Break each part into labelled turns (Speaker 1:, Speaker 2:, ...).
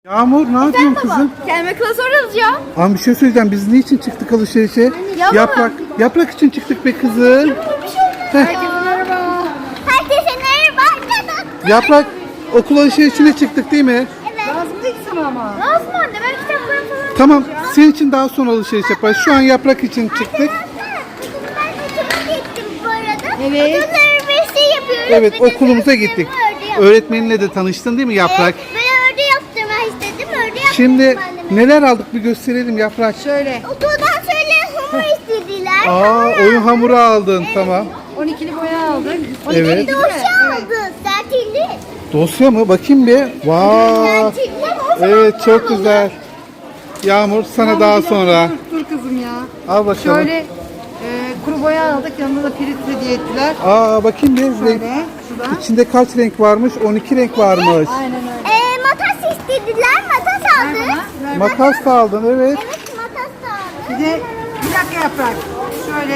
Speaker 1: Yağmur ne yapıyorsun kızım?
Speaker 2: Kendime klasör alacağım.
Speaker 1: Ama bir şey söyleyeceğim. Biz niçin çıktık alışverişe?
Speaker 2: Yapalım.
Speaker 1: Yaprak için çıktık be kızım. Heh.
Speaker 2: Herkese merhaba. Herkese merhaba.
Speaker 1: Yaprak okul alışverişine çıktık değil mi?
Speaker 2: Evet. Lazım değil sana ama. Lazım anne. Ben kitaplarım falan.
Speaker 1: Tamam. Senin için daha sonra alışveriş yaparız. Şu an yaprak için çıktık.
Speaker 2: Ben okula gittim bu arada.
Speaker 1: Evet.
Speaker 2: Okulda öğretmeni yapıyoruz.
Speaker 1: Evet,
Speaker 2: Bir de
Speaker 1: okulumuza
Speaker 2: sınıf
Speaker 1: gittik.
Speaker 2: ördeği yaptım.
Speaker 1: Öğretmeninle de tanıştın değil mi Yaprak?
Speaker 2: Ben ördeği yaptırmak istedim. Ördeği yaptırdım
Speaker 1: Şimdi
Speaker 2: anneme.
Speaker 1: neler aldık bir gösterelim Yaprak.
Speaker 3: Şöyle
Speaker 2: Okuldan şöyle hamur istediler.
Speaker 1: Oyun hamuru aldın. Tamam.
Speaker 3: 12'li boya aldık.
Speaker 1: Evet.
Speaker 2: Dosya aldı. Sertilli.
Speaker 1: Dosya mı? Bakayım bir. Vay. Evet, çok güzel. Yağmur sana daha sonra.
Speaker 3: Dur kızım ya.
Speaker 1: Al bakalım.
Speaker 3: Şöyle kuru boya aldık. Yanında da pirinç hediye ettiler.
Speaker 1: Bakayım bir.
Speaker 3: Şöyle şuradan.
Speaker 1: İçinde kaç renk varmış? 12 renk varmış.
Speaker 3: Aynen öyle.
Speaker 2: Makas istediler. Makas
Speaker 3: Ver
Speaker 2: aldı.
Speaker 3: bana. Ver bana.
Speaker 1: Makas da aldın, evet.
Speaker 2: Evet, makas da aldı.
Speaker 3: Bir de bir dakika yaprak. Şöyle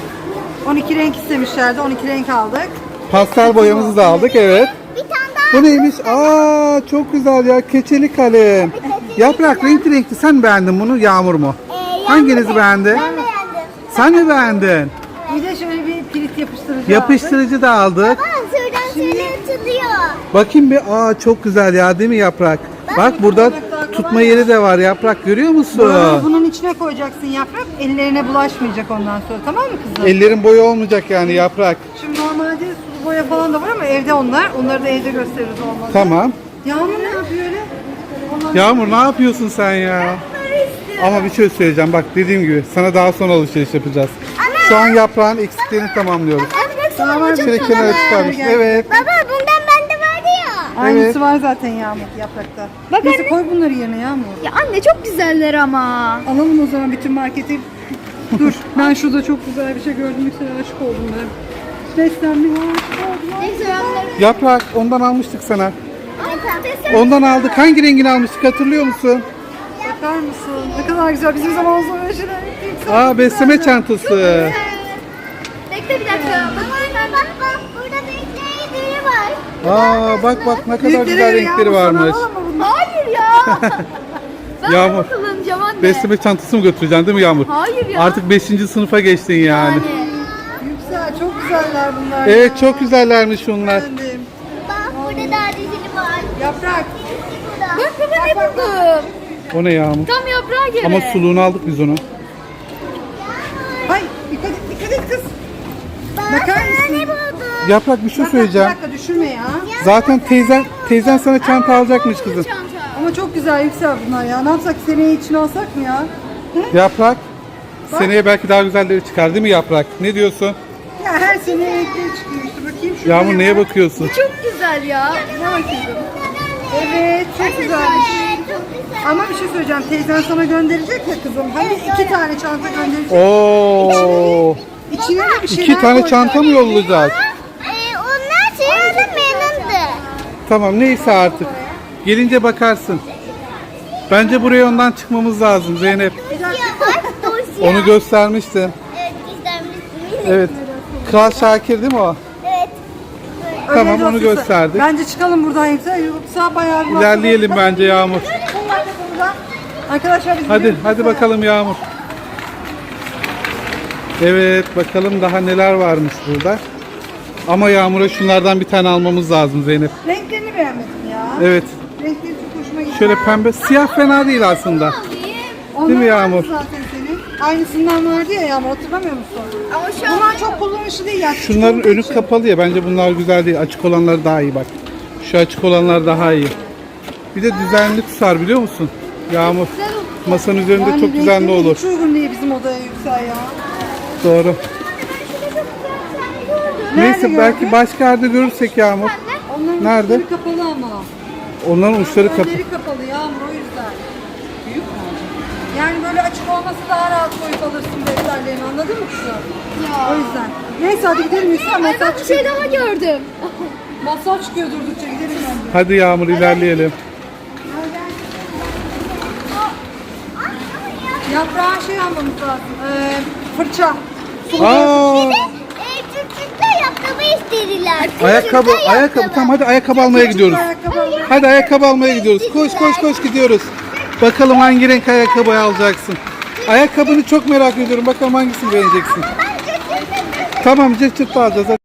Speaker 3: 12 renk istemişlerdi. 12 renk aldık.
Speaker 1: Pastel boyamızı da aldık, evet.
Speaker 2: Bir tane daha.
Speaker 1: Bu neymiş? Çok güzel ya. Keçeli kalem. Yaprak renkli renkli. Sen beğendin bunu, Yağmur mu? Hanginizi beğendi?
Speaker 2: Ben beğendim.
Speaker 1: Sen mi beğendin?
Speaker 3: Bir de şöyle bir pirinç yapıştırıcı aldık.
Speaker 1: Yapıştırıcı da aldık.
Speaker 2: Baba şuradan şöyle açılıyor.
Speaker 1: Bakayım bir. Çok güzel ya, değil mi Yaprak? Bak burada tutma yeri de var Yaprak, görüyor
Speaker 3: Bunu
Speaker 1: musun?
Speaker 3: bunun içine koyacaksın yaprak. Ellerine bulaşmayacak ondan sonra. Tamam mı kızım?
Speaker 1: Ellerin boyu olmayacak yani Yaprak.
Speaker 3: Şimdi normalde sulu boya falan da var ama evde onlar. Onları da evde gösteririz olmazsa.
Speaker 1: Tamam.
Speaker 3: Yağmur ne yapıyor öyle? Onlar...
Speaker 1: Yağmur ne yapıyorsun sen ya? Ama bir şey söyleyeceğim, bak dediğim gibi sana daha sonra alışveriş yapacağız. Şu an Yaprağın eksiklerini tamamlıyoruz.
Speaker 3: Tamam,
Speaker 1: Şöyle kenara çıkarmış. Evet.
Speaker 2: Baba bundan bende vardı ya.
Speaker 3: Aynısı
Speaker 1: Evet.
Speaker 3: var zaten Yağmur yaprakta.
Speaker 2: Bak
Speaker 3: Neyse
Speaker 2: anne.
Speaker 3: koy bunları yerine Yağmur.
Speaker 2: Ya anne çok güzeller ama.
Speaker 3: Alalım o zaman bütün marketi. Dur ben şurada çok güzel bir şey gördüm. Yüksel aşık oldum ben. Beslendim aşık oldum.
Speaker 2: Neyse ben
Speaker 1: Yaprak ondan almıştık sana.
Speaker 2: de.
Speaker 1: Ondan aldık. Hangi rengini almıştık hatırlıyor musun?
Speaker 3: Bakar mısın? Ne kadar güzel. Bizim zamanımızda öyle şeyler yoktu.
Speaker 1: Besleme çantası.
Speaker 2: Bekle bir dakika. Bak burada renkleri var.
Speaker 1: Bak ne kadar güzel renkleri varmış.
Speaker 2: Hayır ya. Ben
Speaker 1: Yağmur.
Speaker 2: bunu kullanacağım anne.
Speaker 1: Besleme çantası mı götüreceksin değil mi Yağmur?
Speaker 2: Hayır ya.
Speaker 1: Artık 5. sınıfa geçtin yani.
Speaker 3: Yüksel çok güzeller bunlar.
Speaker 1: Evet, çok güzellermiş bunlar.
Speaker 3: Beğendim.
Speaker 2: Bak burada daha dizili var.
Speaker 3: Yaprak.
Speaker 2: Bak baba ne buldum.
Speaker 1: O ne Yağmur?
Speaker 2: Tam yaprağa göre.
Speaker 1: Ama suluğunu aldık biz onu.
Speaker 3: Ay dikkat et kız.
Speaker 2: Bak
Speaker 3: Bakar
Speaker 2: sana ne
Speaker 3: mısın?
Speaker 2: buldum.
Speaker 1: Yaprak bir şey
Speaker 3: Bir
Speaker 1: söyleyeceğim.
Speaker 3: dakika düşürme ya.
Speaker 1: Zaten teyzen sana çanta alacakmış kızım.
Speaker 2: Çanta.
Speaker 3: Ama çok güzel Yüksel bunlar ya. Ne yapsak seneye içine alsak mı ya?
Speaker 1: Yaprak. Seneye belki daha güzelleri çıkar değil mi Yaprak? Ne diyorsun?
Speaker 3: Ya her sene renkleri çıkıyor işte. Bakayım şurada.
Speaker 1: Yağmur neye bakıyorsun?
Speaker 2: Çok güzel ya.
Speaker 3: Ne bakıyorsun? Evet çok güzelmiş. Ama bir şey söyleyeceğim. Teyzen sana gönderecek ya kızım. Hani 2 tane çanta gönderecek.
Speaker 1: Oo.
Speaker 3: İçine de bir şeyler
Speaker 1: 2 tane
Speaker 3: koyacak.
Speaker 1: çanta mı yollayacak?
Speaker 2: Onlar şeylerden memnundu.
Speaker 1: Tamam neyse artık. Gelince bakarsın. Bence buraya ondan çıkmamız lazım Zeynep.
Speaker 2: Dosya var. Dosya.
Speaker 1: Onu göstermiştin.
Speaker 2: Evet gizlenmiştim.
Speaker 1: Evet. Kral Şakir değil mi o?
Speaker 2: Evet.
Speaker 3: Öyle
Speaker 1: Tamam, onu
Speaker 3: dosyası.
Speaker 1: gösterdik.
Speaker 3: Bence çıkalım buradan Yüksel. Yoksa bayağı bir
Speaker 1: İlerleyelim bence Yağmur.
Speaker 3: Bunlar da burada. Arkadaşlar biz
Speaker 1: Hadi
Speaker 3: gidiyoruz
Speaker 1: hadi
Speaker 3: Yüksel.
Speaker 1: bakalım Yağmur. Evet bakalım daha neler varmış burada. Ama Yağmur'a şunlardan bir tane almamız lazım Zeynep.
Speaker 3: Renklerini beğenmedim ya.
Speaker 1: Evet.
Speaker 3: Renkleri çok hoşuma gitti.
Speaker 1: Şöyle pembe. Siyah fena değil aslında.
Speaker 3: Onlar
Speaker 1: Değil mi
Speaker 3: vardı
Speaker 1: Yağmur?
Speaker 3: Zaten senin. Aynısından vardı ya Yağmur hatırlamıyor musun?
Speaker 2: Ama şu an
Speaker 3: Bunlar çok kullanışlı değil ya. küçük
Speaker 1: Şunların
Speaker 3: olduğu
Speaker 1: önü
Speaker 3: için.
Speaker 1: kapalı ya. Bence bunlar güzel değil. Açık olanlar daha iyi bak. Şu açık olanlar daha iyi. Bir de düzenli tutar biliyor musun? Yağmur. Masanın üzerinde
Speaker 3: Yani
Speaker 1: çok düzenli
Speaker 3: renkleri
Speaker 1: olur.
Speaker 3: Hiç uygun değil bizim odaya Yüksel ya.
Speaker 1: Doğru. Neyse
Speaker 3: Nerede
Speaker 1: belki
Speaker 3: gördün?
Speaker 1: başka yerde görürsek Yağmur.
Speaker 3: Onların
Speaker 1: Nerede?
Speaker 3: uçları kapalı ama.
Speaker 1: Onların uçları kapalı.
Speaker 3: Önleri kapalı Yağmur o yüzden. Büyük mü? Yani böyle açık olması daha rahat koyup alırsın defterlerini anladın mı kızım? O yüzden. Neyse hadi gidelim Yüksel.
Speaker 2: ben
Speaker 3: Masal
Speaker 2: bir
Speaker 3: çıkıyor.
Speaker 2: şey daha gördüm.
Speaker 3: Masal çıkıyor durdukça gidelim bence.
Speaker 1: Hadi Yağmur ilerleyelim.
Speaker 3: Yaprağa şey almamız lazım. Fırça.
Speaker 1: Aa,
Speaker 2: Çocuklar yaptığımı istediler.
Speaker 1: Ayakkabı, ayakkabı. Tamam hadi ayakkabı almaya gidiyoruz.
Speaker 3: Ayakkabı almaya.
Speaker 1: Hadi ayakkabı almaya gidiyoruz. Koş koş koş gidiyoruz. Bakalım hangi renk ayakkabı alacaksın. Ayakkabını çok merak ediyorum. Bakalım hangisini beğeneceksin. Tamam cırt cırt alacağız. Hadi.